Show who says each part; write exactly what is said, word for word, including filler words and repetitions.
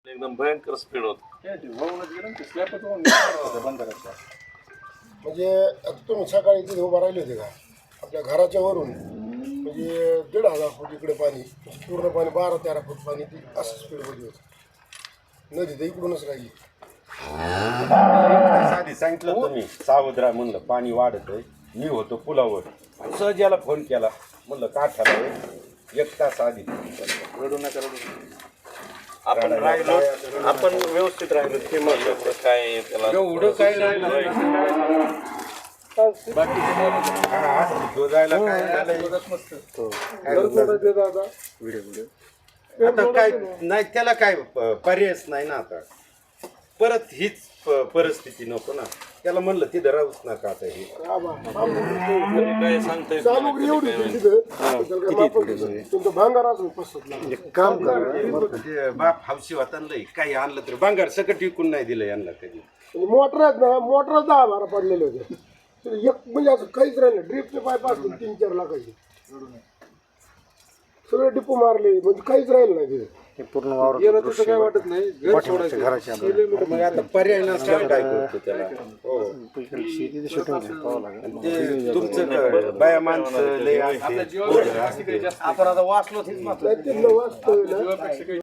Speaker 1: एकदम भयंकर स्पीड होत.
Speaker 2: म्हणजे आता तुम्ही सकाळी तिथे उभा राहिले होते का आपल्या घराच्या वरून म्हणजे दीड हजार फूट इकडे पाणी पूर्ण पाणी बारा तेरा फूट पाणी ती असं स्पीडमध्ये होतं. नदी तर इकडूनच राहिली.
Speaker 3: आधी सांगितलं तुम्ही सावध राहा म्हणलं पाणी वाढतंय. मी होतो पुलावर सहज याला फोन केला म्हणलं काठाला आहे. एक तास आधी
Speaker 1: रडू नका रडू. आपण राहिलो आपण व्यवस्थित राहिलो ते महत्वाचं. काय त्याला
Speaker 3: एवढं काय राहिलं जायला काय आता काय नाही त्याला काय पर्यायच नाही ना. आता परत हीच परिस्थिती नको ना. त्याला म्हणलं तिथं राहूच नका आता हे
Speaker 1: काय सांगता येत
Speaker 2: सामग्री एवढी होती तिथं तुमचं भांगार असून पसरत काम
Speaker 3: ते बाप हौशी होता लई काही आणलं तर बांगार सकट विकून नाही दिलं यांना कधी.
Speaker 2: मोटर आहेत ना मोटर दहा बारा पडलेले होते. एक म्हणजे असं काहीच राहिलं ड्रिपचे पाईप असतील तीन चार लाखाचे सगळे डिपो मारले म्हणजे काहीच राहिलं नाही तिथे.
Speaker 4: पूर्ण वावर
Speaker 2: काय वाटत नाही घर सोडायचं
Speaker 4: घराच्या
Speaker 3: मग आता पर्याय नसल्यावर काय करतो त्याला. हो
Speaker 4: शेती शूटिंग
Speaker 3: ते तुमचं बाया माणसं लय असते.
Speaker 2: आपण आता वाचलो वाचतोय ना